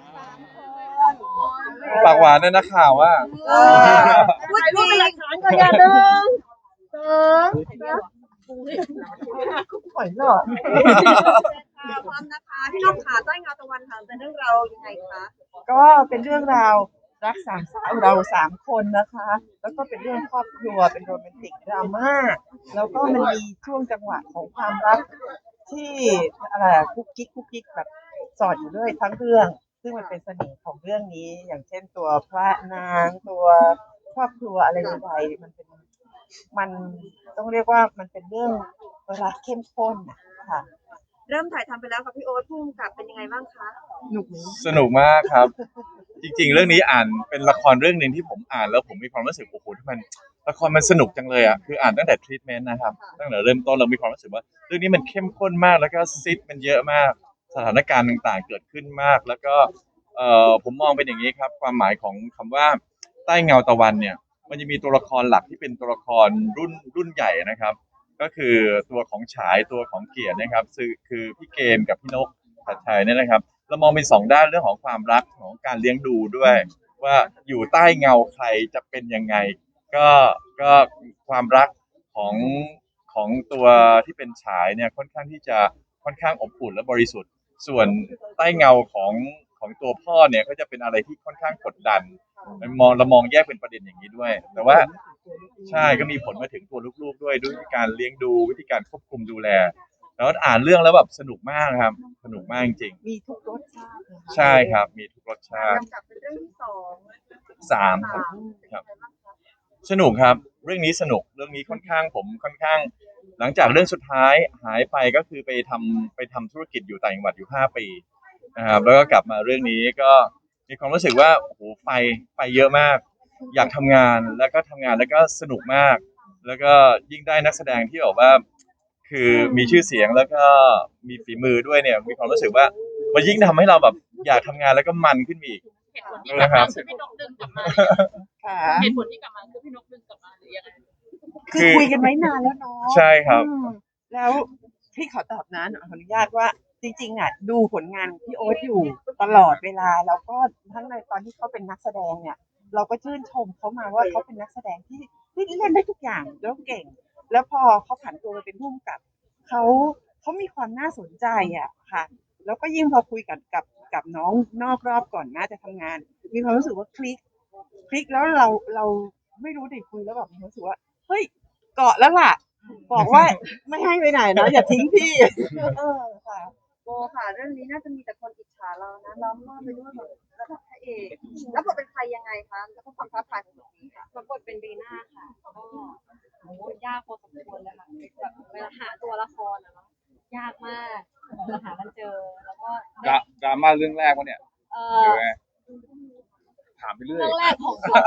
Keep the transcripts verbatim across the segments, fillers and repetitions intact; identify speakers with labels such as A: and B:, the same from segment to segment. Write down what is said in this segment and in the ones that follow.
A: ปากหวานเนี่ยนักข่าวว่า
B: พูดจริงหลักฐานก็อย่าดึงสองหอยหลอดพร้อมนะคะพี่น้องขาใต้เงาตะวันค่ะเป็นเรื่องเรายังไงคะก็เป็นเรื่องราวรักสามสาวเราสามคนนะคะแล้วก็เป็นเรื่องครอบครัวเป็นโรแมนติกดราม่าแล้วก็มันมีช่วงจังหวะของความรักที่อะไรกุ๊กกิ๊กกุ๊กกิ๊กแบบสอดอยู่ด้วยทั้งเรื่องซึ่งมันเป็นเสน่ห์ของเรื่องนี้อย่างเช่นตัวพระนางตัวครอบครัวอะไรใดๆมันเป็นมันต้องเรียกว่ามันเป็นเรื่องรักเข้มข้นค่ะเริ่มถ่ายทำไปแล้วค่ะพี่โอ๊ตพุ่งกับเป็นยังไงบ้างคะสนุกไหม
A: สนุกมากครับจริงๆเรื่องนี้อ่านเป็นละครเรื่องนึงที่ผมอ่านแล้วผมมีความรู้สึกโอ้โหที่มันละครมันสนุกจังเลยอ่ะคืออ่านตั้งแต่ทรีทเมนต์นะครับตั้งแต่เริ่มต้นเรามีความรู้สึกว่าเรื่องนี้มันเข้มข้นมากแล้วก็ซิทมันเยอะมากสถานการณ์ต่างๆเกิดขึ้นมากแล้วก็เอ่อผมมองเป็นอย่างนี้ครับความหมายของคำว่าใต้เงาตะวันเนี่ยมันจะมีตัวละครหลักที่เป็นตัวละครรุ่นรุ่นใหญ่นะครับก็คือตัวของฉายตัวของเกียรตินะครับคือคือพี่เกมกับพี่นกชัดชัยเนี่ยนะครับเรามองเป็นสองด้านเรื่องของความรักของการเลี้ยงดูด้วยว่าอยู่ใต้เงาใครจะเป็นยังไงก็ก็ความรักของของตัวที่เป็นฉายเนี่ยค่อนข้างที่จะค่อนข้างอบอุ่นและบริสุทธิ์ส่วนใต้เงาของของตัวพ่อเนี่ยก็จะเป็นอะไรที่ค่อนข้างกดดันมองเรามองแยกเป็นประเด็นอย่างนี้ด้วยแต่ว่าใช่ก็มีผลมาถึงตัวลูกๆด้วยด้วยวิธีการเลี้ยงดูวิธีการควบคุมดูแลแล้วอ่านเรื่องแล้วแบบสนุกมากครับสนุกมากจริง
B: มีทุกรสชาติ
A: ใช่ครับมีทุกรสชาติ
B: กับเป็นเรื่องที่สอง
A: สามครับครับสนุกครับเรื่องนี้สนุกเรื่องนี้ค่อนข้างผมค่อนข้างหลังจากเรื่องสุดท้ายหายไปก็คือไปทำไปทำธุรกิจอยู่ต่างจังหวัดอยู่ห้าปีนะครับแล้วก็กลับมาเรื่องนี้ก็มีความรู้สึกว่าโอ้โหไฟไฟเยอะมากอยากทำงานแล้วก็ทำงานแล้วก็สนุกมากแล้วก็ยิ่งได้นักแสดงที่บอกว่าคือมีชื่อเสียงแล้วก็มีฝีมือด้วยเนี่ยมีความรู้สึกว่ามันยิ่งทำให้เราแบบอยากทำงานแล้วก็มันขึ้นอีก
C: เหตุผลที่กลับมาคือพี่นกดึงกลับมาเหตุผลที่กลับมาคือพี่นกดึงกลับมาหรือยังไง
B: คือคุยกันไว้นานแล้วเนาะ
A: ใช่ครับ
B: แล้วพี่ขอตอบนะขออนุญาตว่าจริงๆอ่ะดูผลงานพี่โอ๊ตอยู่ตลอดเวลาแล้วก็ทั้งในตอนที่เขาเป็นนักแสดงเนี่ยเราก็ชื่นชมเขามาว่าเขาเป็นนักแสดงที่ที่เล่นได้ทุกอย่างแล้วเก่งแล้วพอเขาผันตัวมาเป็นผู้กำกับเขาเขามีความน่าสนใจอ่ะค่ะแล้วก็ยิ่งพอคุยกับกับกับน้องนอกรอบก่อนน่าจะทำงานมีความรู้สึกว่าคลิกคลิกแล้วเราเราไม่รู้ดิคุยแล้วแบบมีความรู้สึกว่าเฮ้ยเกาะแล้วล่ะบอกว่าไม่ให้ไปไหนนะอย่าทิ้งพี่เออค่ะโบค่ะเรื่องนี้น่าจะมีแต่คนอิจฉาเรานะล้อมรอบไปด้วยแบบระดับพระเอกแล้วบทเป็นใครยังไงคะแล้วก็ความท้าทายของบทนี้ค่ะ
C: รับบทเป็นบีน่าค่ะก็โอ้ยากพอสมควรเลยค่ะแบบเวลาหาตัวละครอะเนาะยากมากเราหากันเจอแล้วก็
A: ดราม่าเรื่องแรกวะเนี่ย
C: เออ
A: ถามไปเรื่อย
C: เรื่องแรกของเขา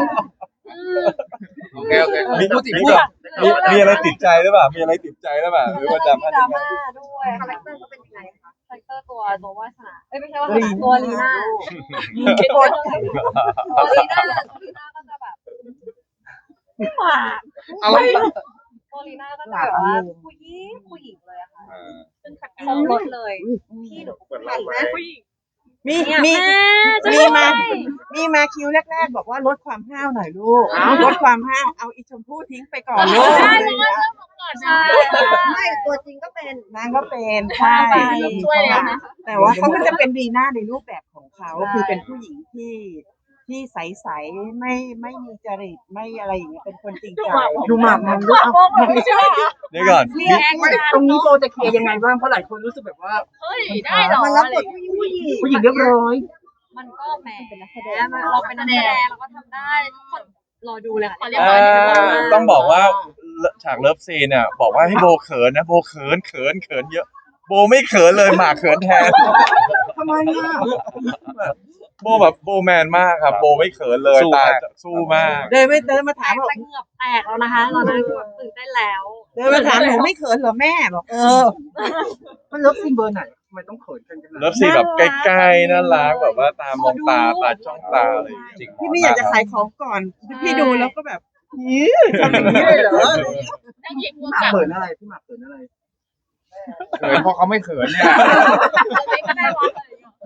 A: โอเคโอเคมีพูดติดพูดมีมีอะไรติดใจหรือเปล่ามีอะไรติดใจหรือเปล่าหรือว่าดราม่า
C: ดราม่าด้วย
B: คาแรคเตอร์เขาเป็นยังไงคะ
C: คาแรคเตอร์ตัวตัววาสนาเอ้ยไม่ใช่วาสนาตัวลีน่าตัวลีน่าตัวลีน่าก็จะแบบไม่หวานตัวลีน่าก็จะแบบว่าผู้หญิงผู้หญิงเลยอะค่ะเป็นขัดคงรถเลยพี่หนู
B: เห็นไหมผู้หญิงมีมีมีมามีมาคิวแรกๆบอกว่าลดความห้าวหน่อยลูกลดความห้าวเอาอีชมพู่ทิ้งไปก่อนลูก
C: ใช่เริ่มก่อนใช่
B: ไม่ตัวจริงก็เป็นนางก็เป็นใช่
C: ช่วยแล้วนะ
B: แต่ว่าเขาก็จะเป็นดีน่าในรูปแบบของเขาคือเป็นผู้หญิงที่ที่ใสๆไม่ไม่มีจริตไม่อะไรอย่างเงี้ยเป็นคนจริงใจดูหมากมันลูก
A: เดี๋ยวก่อน
B: ตรงนี้โบจะเคลียร์ยังไงบ้างเพราะหลายคนรู้สึกแบบว่า
C: เฮ้ยได้หรอ
B: มันรับบทผู้หญิงผู้หญิงเรียบร้อย
C: มันก็แหมเป็นนักแสดงเราเป็นนักแสดงเราก็ทำได้ทุกคนรอดูเลยค่ะ
A: ต้องบอกว่าฉากเลิฟซีนเนี่ยบอกว่าให้โบเขินนะโบเขินเขินเขินเยอะโบไม่เขินเลยหมากเขินแทน
B: ทำไมอ่ะ
A: โบแบบโบแมนมากครับโบไม่เขินเลยตาสู้มาก
B: เดินไม่เดินมาถามบอก
C: เหงือบแตกแล้วนะคะตอนนั้นตื่นเต้นแล้ว
B: เดินมาถามหนูไม่เขินเหรอแม่บอกเออมันเลิฟซีนเบอร์ไหนทำไมต้องเขินกัน
A: เลิฟซีนแบบใกล้ๆน่ารักแบบว่าตามองตาตาจ้องตาอะไรจริง
B: พี่ไม่อยากจะขายของก่อนพี่ดูแล้วก็แบบยี่ทำอย่างนี้เลยเหรอพี่หมากเขินอะไรพี่หมากเขินอะไร
A: เขินเพราะเขาไม่เขินเนี่ย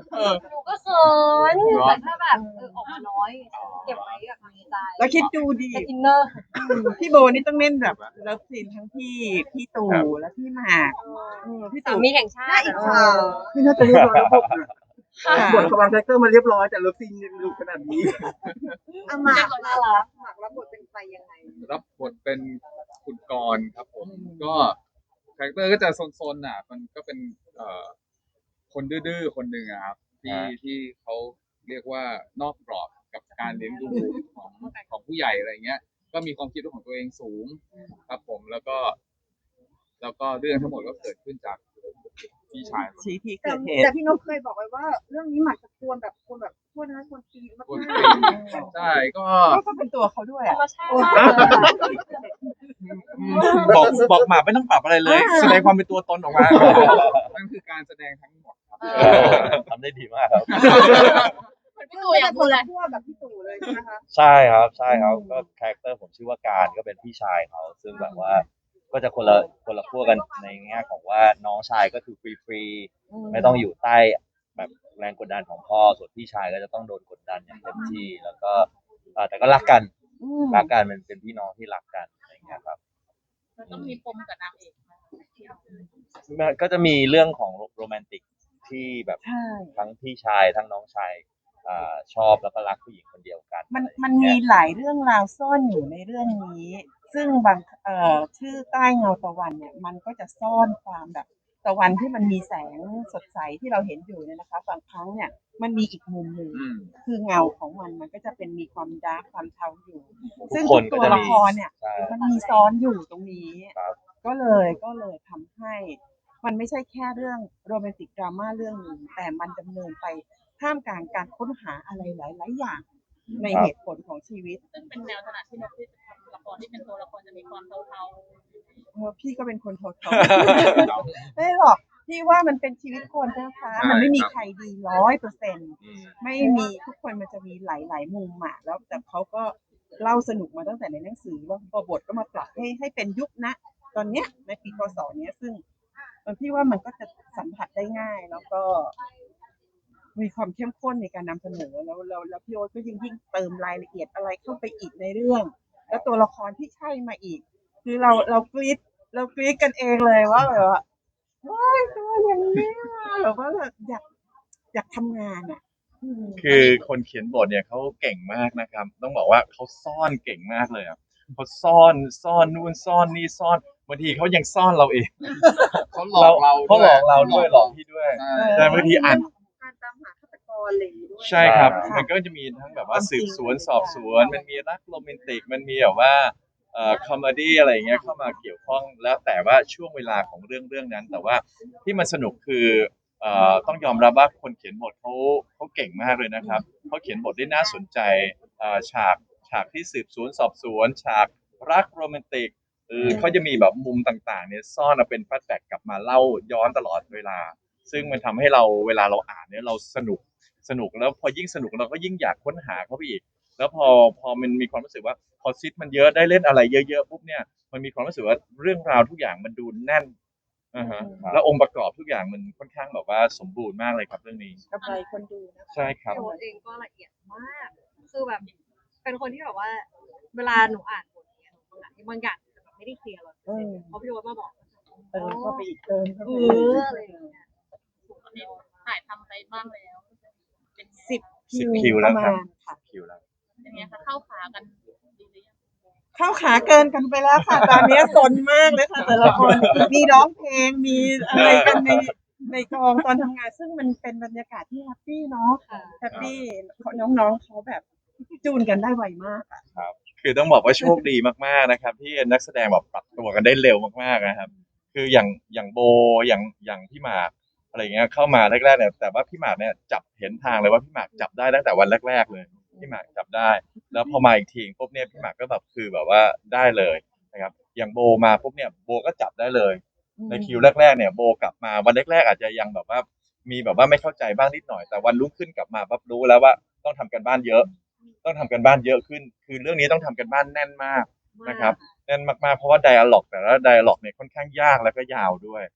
C: หนูก็เขินแต่ถ้าแบบเออออกมาน้อย เก็บไว้แบบในใจ
B: แล้วคิดดูดิ
C: เป็นอินเนอร์
B: พี่โบนี่ต้องเล่นแบบเลิฟซีนทั้งพี่พี่ตู่และพี่หมากเออพี่
C: สา
B: ตู่
C: มีแห่งชาติ
B: เอ
C: อะ
B: อพี่น่าจะเรียบร้อยแล้วพวกน่ะ
C: ค่ะ
B: บทกำลังแรคเตอร์มาเรียบร้อยแต่เลิฟซีนยังดุขนาดนี้
D: อาหมาก
C: น่ารัก
D: หมากรับบทเป็นใครยังไง
E: รับบทเป็นคุณกรณ์ครับผม ก็คาแรคเตอร์ก็จะโซนๆอ่ะ มันก็เป็นเอ่อคนดื้อๆคนหนึ่งอะครับที่
A: อ่า
E: ที่เขาเรียกว่านอกกรอบกับการเลี้ยงดูของของผู้ใหญ่อะไรเงี้ย ก็มีความคิดของตัวเองสูงครับผมแล้วก็ แล้วก็เรื่องทั้งหมดก็เกิดขึ้นจากพี่ชายคน
B: ชี้ที่
D: แต่
B: เกิดเหตุ
D: แต่พี่นกเคยบอกไว้ว่า เรื่องนี้หมากจะควรแบบควรแบบควรนะควรปีนมาก
E: คน
D: ๆ
E: ปีนใช่ก็
B: ก็เป็นตัวเขาด้วย
C: ธร
B: อ่ะ
C: รมชาติมากเลยอะ
A: บอกบอกหมาไม่ต้องปรับอะไรเลย แสดงความเป็นตัวตนออกมา
E: นั่นคือการแสดงทั้งหมดครับ
F: ทำได้ดีมากครับ
C: เหมือนพี่ตู่อยากพูดเลย
D: ทั่วแบบพี่ตู่เลยใช่ไหมคะ
F: ใช่ครับใช่ครับก็คาแรคเตอร์ผมชื่อว่าการก็เป็นพี่ชายเขาซึ่งแบบว่า ก็จะคนละคนละขั้วกันในแง่ของว่าน้องชายก็คือฟรีฟรีๆไม่ต้องอยู่ใต้แบบแรงกดดันของพ่อส่วนพี่ชายก็จะต้องโดนกดดันอย่างเต็มที่แล้วก็เอ่อแต่ก็รักกัน
B: อืม
F: รักกันเป็นเป็นพี่น้องที่รักกันอะไรอย่างเงี้ยครับ
C: ต้องมีปมกับนางเอก
F: มันก็จะมีเรื่องของโรแมนติกที่แบบ
B: ใช่
F: ทั้งพี่ชายทั้งน้องชายอ่าชอบแล้วก็รักผู้หญิงคนเดียวกัน
B: มัน
F: อะไรอย่าง
B: มัน
F: เงี้
B: มี
F: ย
B: หลายเรื่องราวซ่อนอยู่ในเรื่องนี้ ซึ่งบางเอ่อชื่อใต้เงาตะวันเนี่ย มันก็จะซ่อนความแบบตะวันที่มันมีแสงสดใสที่เราเห็นอยู่เนี่ยนะคะบางครั้งเนี่ยมันมีอีกมุมหนึ่ง
E: อืม
B: คือเงาของมันมันก็จะเป็นมีความดาร์กความเทาอยู่
F: ทุก
B: ซึ่ง
F: ค
B: ทุ
F: น
B: ก
F: ก็
B: ตัว
F: จะ
B: ละ
F: มี
B: ครเนี่ย
F: ใช่
B: มันมีซ้อนอยู่ตรงนี้
F: ครับ
B: ก็เลยก็เลยทำให้ มันไม่ใช่แค่เรื่องโรแมนติกดราม่าเรื่องหนึ่งแต่มันดำเนินไปท่ามกลางการค้นหาอะไรหลาย ๆ อย่าง ในเหตุผลของชีวิต
C: ซึ่งเป็นแนวถนัดที่นกที่จะทำละครที่เป็นตัวละครจะมีความเทา
B: เออพี่ก็เป็นคนโทษเขา ไม่หรอกพี่ว่ามันเป็นชีวิตคนนะคะ
E: ใช่
B: มันไม่มี
E: ครับ
B: ใครดีร้อยเปอร์เซ็นต์
F: อืม
B: ไม่มีทุกคนมันจะมีหลาย ๆ มุมอะแล้วแต่เขาก็เล่าสนุกมาตั้งแต่ในหนังสือแล้วพอบทก็มาปรับให้ให้เป็นยุคนะตอนเนี้ยในปีพศเนี้ยซึ่งเออพี่ว่ามันก็จะสัมผัสได้ง่าย แล้วก็มีความเข้มข้นในการนำเสนอแล้วแล้วแล้วพี่โอ๊ตก็ยิ่งยิ่งเติมรายละเอียดอะไรเข้าไปอีกในเรื่อง แล้วตัวละครที่ใช่มาอีก คือเราเรากรี๊ดเรากรี๊ดกันเองเลยว่าแบบว่าว้ายตัวอย่างนี้ว่ะแบบว่าแบบอยากอยากทำงานอ่ะอืม
A: คือคนเขียนบทเนี่ยเขาเก่งมากนะครับ ต้องบอกว่าเขาซ่อนเก่งมากเลยอ่ะเขาซ่อนซ่อนนู่นซ่อนนี่ซ่อนบางทีเขายังซ่อนเราเอง
E: เขาหลอกเรา
A: เขาหลอกเราด้วยหลอก
E: เ
A: พี่ด้วย
E: ใช่
A: แต่บางทีอ่าน
D: การตามหาฆาตกรอะไรอย่างงี้ด้วย
A: ใช่ครับ
F: ใช่
A: มันก็จะมีทั้งแบบว่า
B: ความจริ
A: สื
B: ง
A: บสวนสอบสวน มันมีรักโรแมนติก มันมีแบบว่าเอ่อคอมเมดี้อะไรอย่างเงี้ยเข้ามาเกี่ยวข้องแล้วแต่ว่าช่วงเวลาของเรื่องเรื่องนั้น แต่ว่าที่มันสนุกคือเอ่อต้องยอมรับว่าคนเขียนบทเขาเขาเก่งมากเลยนะครับเขาเขียนบทได้น่าสนใจเอ่อฉากฉากที่สืบสวนสอบสวน ฉากรักโรแมนติกเออเขาจะมีแบบมุมต่างๆเนี่ยซ่อนมาเป็นแฟลชแบ็กกลับมาเล่าย้อนตลอดเวลา ซึ่งมันทำให้เราเวลาเราอ่านเนี่ยเราสนุกสนุกแล้วพอยิ่งสนุกเราก็ยิ่งอยากค้นหาเขาไปอีก แล้วพอพอมันมีความรู้สึกว่าพอซิทมันเยอะได้เล่นอะไรเยอะๆปุ๊บเนี่ยมันมีความรู้สึกว่าเรื่องราวทุกอย่างมันดูแน่นอ่าฮะแล้วองค์ประกอบทุกอย่างมันค่อนข้างแบบว่าสมบูรณ์มากเลยครับเรื่องนี้
B: กำไรคนดูนะ
A: ใช่ครับ
C: ๆตัวเองก็ละเอียดมาก คือแบบ เป็นคนที่แบบว่า เวลาหนูอ่านบทเนี่ยบางอย่างบางอย่างจะแบบไม่ได้เคลียร์หรอกเพราะพี่โอ๊ตมาบอก
B: เติมเข้าไปอีกเติมเข้า
C: เอ
B: ไปอีก
C: ออะไรอย่างเงี้ยตอนนี้ถ่ายทำไปบ้างแล้ว เป็นไง
B: สิบ
A: สิบ
B: คิ
A: คิว
B: ว
A: แล้
B: ป
A: ว
B: ระ
A: ครั
B: มา
A: บ
B: ณค่ะ
A: คิวแล้ว
C: เป็นไงคะเข้าขากันดีหรือยัง
B: เข้าขาเกินกันไปแล้วค่ะ ตอนนี้สนมากเลยค่ะ แต่ละคนมีร้องเพลงมีอะไรกันในในกองตอนทำงาน ซึ่งมันเป็นบรรยากาศที่แฮปปี้เนาะ
C: ค่ะ
B: แฮปปี้น้องๆเขาแบบจูนกันได้ไวมากอะ
A: คือต้องบอกว่าโชคดีมากๆนะครับ ที่นักแสดงแบบปรับตัวกันได้เร็วมากๆนะครับ คืออย่างอย่างโบอย่างอย่างพี่หมากอะไรอย่างเงี้ยเข้ามาแรกๆเนี่ยแต่ว่าพี่หมากเนี่ยจับเห็นทางเลยว่าพี่หมากจับได้ตั้งแต่วันแรกๆเลยพี่หมากจับได้ แล้วพอมาอีกทีปุ๊บเนี่ยพี่หมากก็แบบคือแบบว่าได้เลยนะครับอย่างโบมาปุ๊บเนี่ยโบก็จับได้เลย ในคิวแรกๆเนี่ยโบกลับมาวันแรกๆอาจจะยังแบบว่ามีแบบว่าไม่เข้าใจบ้างนิดหน่อยแต่วันรุ่งขึ้นกลับมาปั๊บรู้แล้วว่าต้องทำกันบ้านเยอะ ต้องทำกันบ้านเยอะขึ้น คือเรื่องนี้ต้องทำกันบ้านแน่นมากนะครับแน่นมากๆเพราะว่าไดอะล็อกแต่ละไดอะล็อกเนี่ยค่อนข้างยากแล้วก็ยาวด้วย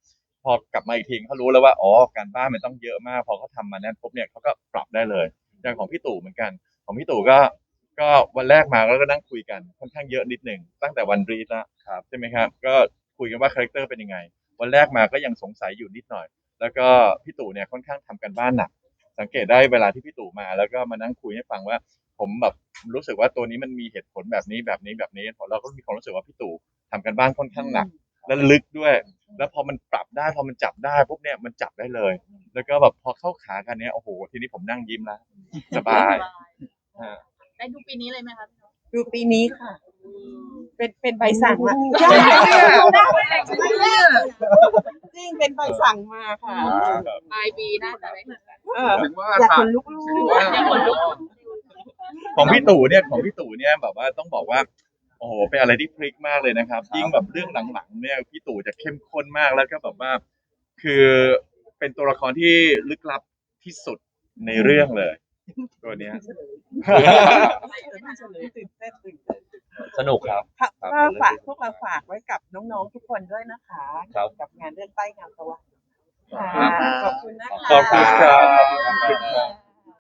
A: พอกลับมาอีกทีเขารู้แล้วว่าอ๋อการบ้านมันต้องเยอะมากพอเขาทำมานั้นปุ๊บเนี่ยเขาก็ปรับได้เลยอย่างของพี่ตู่เหมือนกันของพี่ตู่ก็ก็วันแรกมาแล้วก็นั่งคุยกันค่อนข้างเยอะนิดหนึ่งตั้งแต่วันรีดแล้วใช่ไหมครับก็คุยกันว่าคาแรคเตอร์เป็นยังไงวันแรกมาก็ยังสงสัยอยู่นิดหน่อยแล้วก็พี่ตู่เนี่ยค่อนข้างทำกันบ้านหนักสังเกตได้เวลาที่พี่ตู่มาแล้วก็มานั่งคุยให้ฟังว่าผมแบบรู้สึกว่าตัวนี้มันมีเหตุผลแบบนี้แบบนี้แบบนี้เราก็มีความรู้สึกว่าพี่ตู่ทำกันบ้านค่อนข้างหนักและลึกด้วยแล้วพอมันปรับได้พอมันจับได้ปุ๊บเนี่ยมันจับได้เลย แล้วก็แบบพอเข้าขากันเนี้ยโอ้โหทีนี้ผมนั่งยิ้มแล้วสบายฮะ
C: ได้ดูปีนี้เลยไหมคะ
B: ดูปีนี้ค่ะ เป็นเป็นใบสั่งมา
D: ใช่
B: จริงเป็นใบสั่งมาค่ะ
C: ปลายปีน่าจะได้เห็นกัน
B: เออ
E: ถึงว่า
B: อยาก
E: ทา
B: ข
E: ง
B: นลุก
E: ถึง
B: ๆ
E: ว่า
C: ยังขนลุก
A: ของพี่ตู่เนี่ยของพี่ตู่เนี่ยแบบว่าต้องบอกว่าโอ้โหเป็นอะไรที่พลิกมากเลยนะครับ ยิ่งแบบเรื่องหลังๆเนี่ยพี่ตู่จะเข้มข้นมากแล้วก็แบบว่า คือเป็นตัวละครที่ลึกลับที่สุดในเรื่องเลย ตัวเนี้ย
B: ตื่นเต้นตื่นเต้น
F: สนุกครับ
B: ค่ะก็ฝากพวกเราฝากไว้กับน้องๆทุกคนด้วยนะคะ
F: ครับ
B: กับงานเรื่องใต้เงาตะวันค่ะขอบคุณนะคะ
A: ขอบคุณครับขอบคุณครับ